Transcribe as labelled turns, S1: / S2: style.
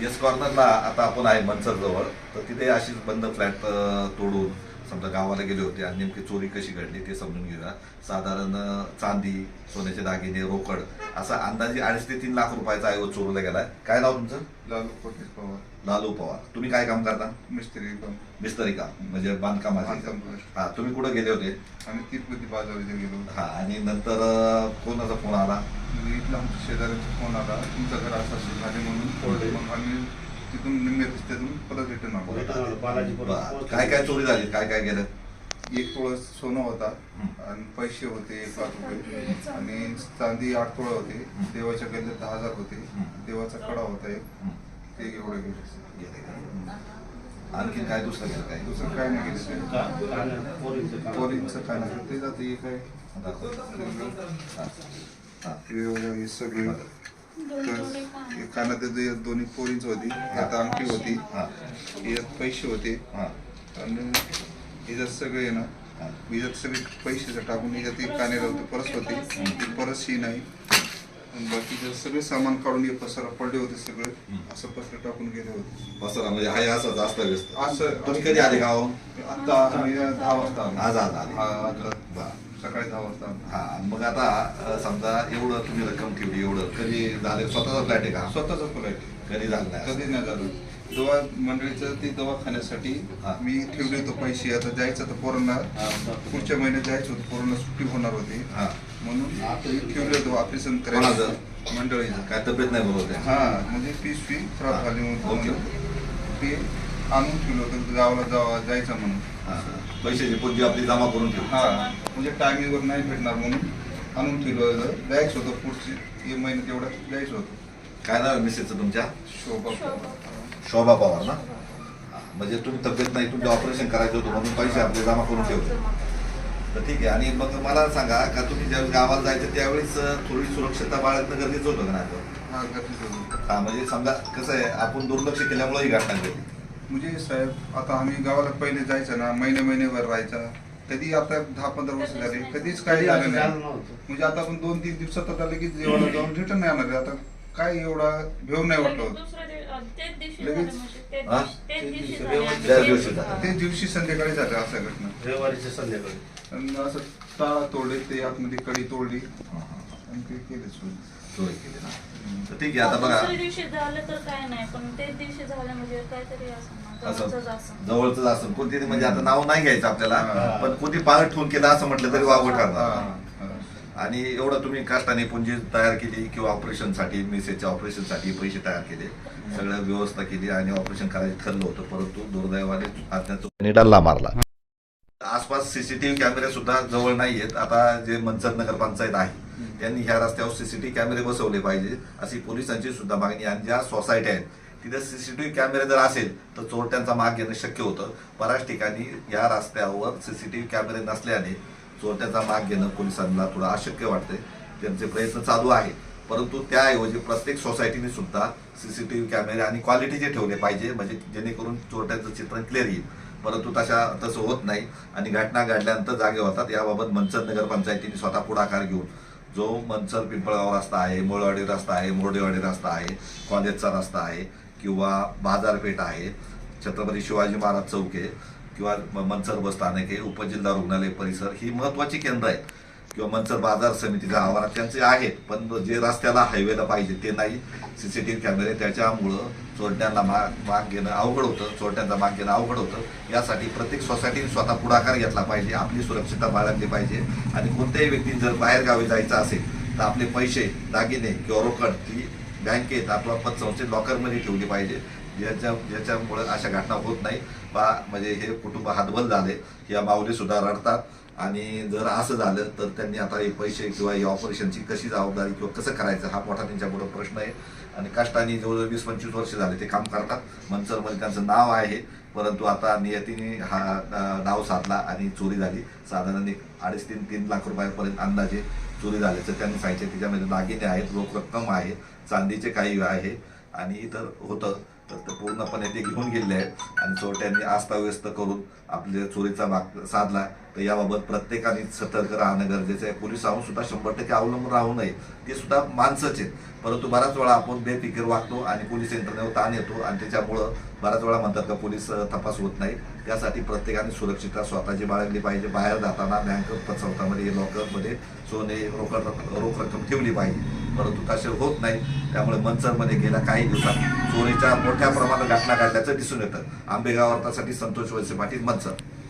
S1: S कॉर्नरला आता आपण आहे मनसर जवळ, तर तिथे अशीच बंद फ्लॅट तोडून समजा गावाला गेले होते आणि नेमकी चोरी कशी घडली ते समजून घेऊया. साधारण चांदी, सोन्याचे दागिने, रोकड असा अंदाजे 2.5 ते 3 लाख रुपयाचा ऐवज चोरीला गेलाय. काय नाव तुमचं?
S2: लालू कोटेश पवार.
S1: लालू पवार. तुम्ही काय काम करता?
S2: मिस्त्री काम.
S1: मिस्त्री काम म्हणजे बांधकामाचे.
S2: बांधकाम.
S1: हा, तुम्ही कुठे गेले होते?
S2: आम्ही तिरुपती बाजारात गेलो.
S1: हा, आणि नंतर कोणाचा फोन आला?
S2: इथला आमच्या शेजाऱ्यांचा फोन आला, तुमचं घर असं झाले म्हणून. मग आम्ही तिथून निम्मे रस्त्यातून परत रिटर्न आलो.
S1: बरं. काय काय चोरी झाली, काय काय गेलं?
S2: 1 तोळा सोनं होता आणि पैसे होते 1 लाख रुपये आणि चांदी 8 तोळा होते. देवाच्या गल्ल्यात 10,000 होते. देवाचा कडा होता एक, ते एवढे गेले.
S1: आणखी काय दुसरं गेलं? काय
S2: दुसरं काय नाही गेलं. पोरींचं काय नाही ते जाते. हे काय हे सगळे कानात दोन्ही पोरींच होती, आता अंगठी होती, यात पैसे होते आणि याच्यात सगळे ना, याच्यात सगळे पैसे टाकून याच्यात कानेला होते, परस होते, ती परस ही नाही. बाकीचे सगळे सामान काढून हे पसारा पडले होते, सगळे असं पसरा टाकून गेले होते.
S1: पसरा म्हणजे हाय असं जास्त व्यस्त.
S2: असं
S1: तुम्ही कधी आले गाव?
S2: आता आम्ही 10 वाजता
S1: आज आले.
S2: आता सकाळी 10 वाजता.
S1: हा, मग आता समजा एवढं तुम्ही रक्कम ठेवली, एवढं कधी झालं? स्वतःचा फ्लॅट आहे का?
S2: स्वतःचा फ्लॅट.
S1: कधी झालं नाही?
S2: कधी नाही झालं. दवा मंडळीचं ते दवाखान्यासाठी मी ठेवले होते पैसे. आता जायचं तर पोरांना पुढच्या महिन्यात जायचं होतं, पोरांना सुट्टी होणार होती म्हणून ठेवले होते ऑपरेशन करायचं. मंडळीचं
S1: काय तब्येत नाही बरोबर?
S2: हा, म्हणजे पिशवी खराब झाली म्हणून ते आणून ठेवलं होतं गावाला जायचं म्हणून.
S1: पैशाची पुंजी आपली जमा करून ठेवू.
S2: हा, म्हणजे टायमिंगवर नाही भेटणार म्हणून आणून ठेवलं होतं. जायचं होतं पुढची महिन्यात एवढं जायचं होतं.
S1: काय नाव आहे मिसेसचं तुमच्या?
S2: शोभा.
S1: शोभा पवार ना? म्हणजे तुम्ही तब्येत नाही, तुमचं ऑपरेशन करायचं होतं म्हणून पैसे आपले जमा करून ठेवले. तर ठीक आहे. आणि मग मला सांगा का तुम्ही ज्यावेळेस गावाला जायचं त्यावेळेस थोडी सुरक्षता बाळगणं गरजेचं होतं का नाही?
S2: हा, गरजेचं होतं.
S1: हा, म्हणजे समजा कसं आहे, आपण दुर्लक्ष केल्यामुळे ही घटना घडली.
S2: म्हणजे साहेब, आता आम्ही गावाला पहिले जायचं ना, महिन्याभर राहायचा. कधी आता 10-15 वर्ष झाले कधीच काही झालं नाही. म्हणजे आता आपण 2-3 दिवसात आता लगेच जेवायला जाऊन रिटर्न नाही येणार. आता काय एवढा भेव नाही वाटलं होतं. ते दिवशी संध्याकाळी झालं असं घटना.
S3: रविवारीच्या संध्याकाळी
S2: आणि असं टाळा तोडले, ते आतमध्ये कडी तोडली आणि ते केले
S1: चोरी केली ना. तर ठीक आहे. आता बघा,
S4: दुसऱ्या दिवशी झालं तर काय नाही, पण तेच दिवशी झालं म्हणजे काहीतरी
S1: असं
S4: असं
S1: जवळच असं कोणती म्हणजे आता नाव नाही घ्यायचं आपल्याला, पण कोणती पाळ ठेवून केलं असं म्हटलं तरी वावं ठरणार. आणि एवढं तुम्ही कष्टाने पुंजी तयार केली किंवा ऑपरेशनसाठी, मिसेसच्या ऑपरेशनसाठी पैसे तयार केले, सगळं व्यवस्था केली आणि ऑपरेशन करायचं ठरलं होतं, परंतु दुर्दैवाने अज्ञात डल्ला मारला. आसपास सीसीटीव्ही कॅमेरे सुद्धा जवळ नाहीयेत. आता जे मनसर नगरपंचायत आहे त्यांनी ह्या रस्त्यावर सीसीटीव्ही कॅमेरे बसवले पाहिजे अशी पोलिसांची सुद्धा मागणी. आणि ज्या सोसायटी आहेत तिथे सीसीटीव्ही कॅमेरे जर असेल तर चोरट्यांचा माग घेणं शक्य होतं. बऱ्याच ठिकाणी या रस्त्यावर सीसीटीव्ही कॅमेरे नसल्याने चोरट्यांचा माग घेणं पोलिसांना थोडं अशक्य वाटतंय. त्यांचे प्रयत्न चालू आहेत, परंतु त्याऐवजी प्रत्येक सोसायटीने सुद्धा सीसीटीव्ही कॅमेरे आणि क्वालिटीचे ठेवले पाहिजे, म्हणजे जेणेकरून चोरट्यांचं चित्र क्लिअर येईल. परंतु तसं होत नाही आणि घटना घडल्यानंतर जागे होतात. याबाबत मनसर नगरपंचायतीने स्वतः पुढाकार घेऊन जो मनसर पिंपळगाव रस्ता आहे, मोळवाडी रस्ता आहे, मोर्डेवाडी रस्ता आहे, कॉलेजचा रस्ता आहे किंवा बाजारपेठ आहे, छत्रपती शिवाजी महाराज चौक आहे किंवा मनसर बस स्थानक आहे, उपजिल्हा रुग्णालय परिसर, ही महत्त्वाची केंद्र आहेत किंवा मनसर बाजार समितीच्या आवारात त्यांचे आहेत, पण जे रस्त्याला हायवेला पाहिजे ते नाही सीसीटीव्ही कॅमेरे. त्याच्यामुळं चोरट्यांना माग घेणं अवघड होतं, चोरट्यांचा माग घेणं अवघड होतं. यासाठी प्रत्येक सोसायटीने स्वतः पुढाकार घेतला पाहिजे, आपली सुरक्षितता बाळगली पाहिजे. आणि कोणत्याही व्यक्तीने जर बाहेरगावी जायचं असेल तर आपले पैसे, दागिने किंवा रोकड ती बँकेत अथवा पतसंस्थेत लॉकरमध्ये ठेवली पाहिजे, ज्याच्यामुळे अशा घटना होत नाही. म्हणजे हे कुटुंब हातबल झाले, या माऊली सुद्धा रडतात. आणि जर असं झालं तर त्यांनी आता हे पैसे किंवा या ऑपरेशनची कशी जबाबदारी किंवा कसं करायचं हा मोठा त्यांच्यापुढे प्रश्न आहे. आणि कष्टाने जवळजवळ 20-25 वर्ष झाले ते काम करतात. मनसरमध्ये त्यांचं नाव आहे, परंतु आता नियतीने हा डाव साधला आणि चोरी झाली. साधारण 2.5 ते 3 लाख रुपयापर्यंत अंदाजे चोरी झाल्याचं त्यांनी सांगितलं. त्याच्यामध्ये दागिने आहेत, रोख रक्कम आहे, चांदीचे काही आहे आणि इतर होतं. तर ते पूर्णपणे ते घेऊन गेलेले आहेत आणि चोरट्यांनी अस्ताव्यस्त करून आपल्या चोरीचा भाग साधला. तर याबाबत प्रत्येकाने सतर्क राहणं गरजेचं आहे. पोलिसांहून सुद्धा 100% अवलंबून राहू नये. ते सुद्धा माणसंच आहेत, परंतु बऱ्याच वेळा आपण बेफिकीर वागतो आणि पोलीस यंत्रणेवर ताण येतो आणि त्याच्यामुळं बऱ्याच वेळा म्हणतात का पोलीस तपास होत नाही. त्यासाठी प्रत्येकाने सुरक्षितता स्वतःची बाळगली पाहिजे. बाहेर जाताना बँक पसरतामध्ये लॉकरमध्ये सोने रोख रक्कम ठेवली पाहिजे, परंतु तसे होत नाही. त्यामुळे मंचरमध्ये गेल्या काही दिवसात चोरीच्या मोठ्या प्रमाणात घटना घडल्याचं दिसून येतं. आंबेगाव वार्तासाठी संतोष वळसे पाटील, मंचर.